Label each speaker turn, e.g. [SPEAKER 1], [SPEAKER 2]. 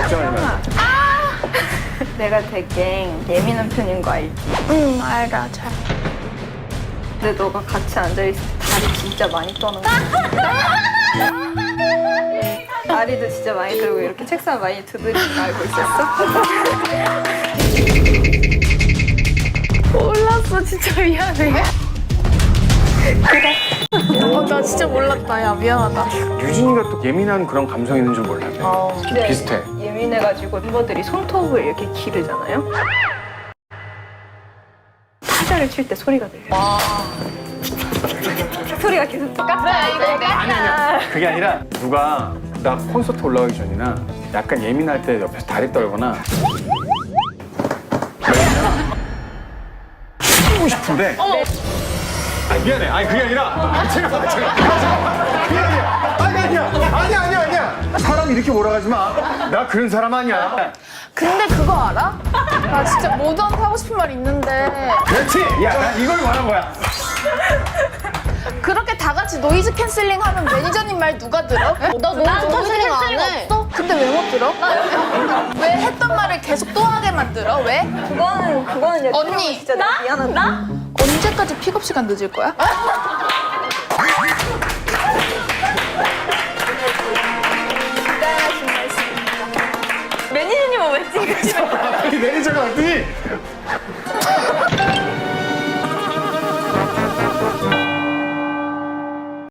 [SPEAKER 1] 걱정하지 마.
[SPEAKER 2] 내가 되게 예민한 편인 거 알지?
[SPEAKER 3] 응, 알아, 잘.
[SPEAKER 2] 근데 너가 같이 앉아있을 때 다리 진짜 많이 떠는 거야. 다리도 진짜 많이 들고 이렇게 책상 많이 두드리는 거 알고 있었어?
[SPEAKER 3] 몰랐어, 진짜 미안해. 그래. 나 진짜 몰랐다. 야, 미안하다.
[SPEAKER 1] 유진이가 또 예민한 그런 감성이 있는 줄 몰랐네. 좀
[SPEAKER 2] 근데
[SPEAKER 1] 비슷해.
[SPEAKER 2] 예민해가지고 멤버들이 손톱을 이렇게 기르잖아요? 타자를 칠 때 소리가 들려요. 소리가 계속 똑같아.
[SPEAKER 1] 아니야. 그게 아니라 누가 나 콘서트 올라가기 전이나 약간 예민할 때 옆에서 다리 떨거나 치고 싶은데 아니 미안해. 아니 그게 아니라 제가 그게 아니야. 아니야. 사람 이렇게 몰아가지 마. 나 그런 사람 아니야.
[SPEAKER 3] 근데 그거 알아? 나 진짜 모두한테 하고 싶은 말 있는데
[SPEAKER 1] 그렇지. 야, 나 이걸 말한 거야.
[SPEAKER 3] 그렇게 다 같이 노이즈 캔슬링 하면 매니저님 말 누가 들어?
[SPEAKER 4] 나 노이즈 캔슬링 안 해.
[SPEAKER 3] 없어? 근데 왜 못 들어? 왜 했던 말을 계속 또 하게 만들어? 왜?
[SPEAKER 2] 그거는 이제
[SPEAKER 3] 언니,
[SPEAKER 2] 진짜 나? 미안하다.
[SPEAKER 3] 언제까지 픽업 시간 늦을 거야?
[SPEAKER 2] 매니저님은 왜 찍으시는 거야?
[SPEAKER 1] 이 매니저가 왔더니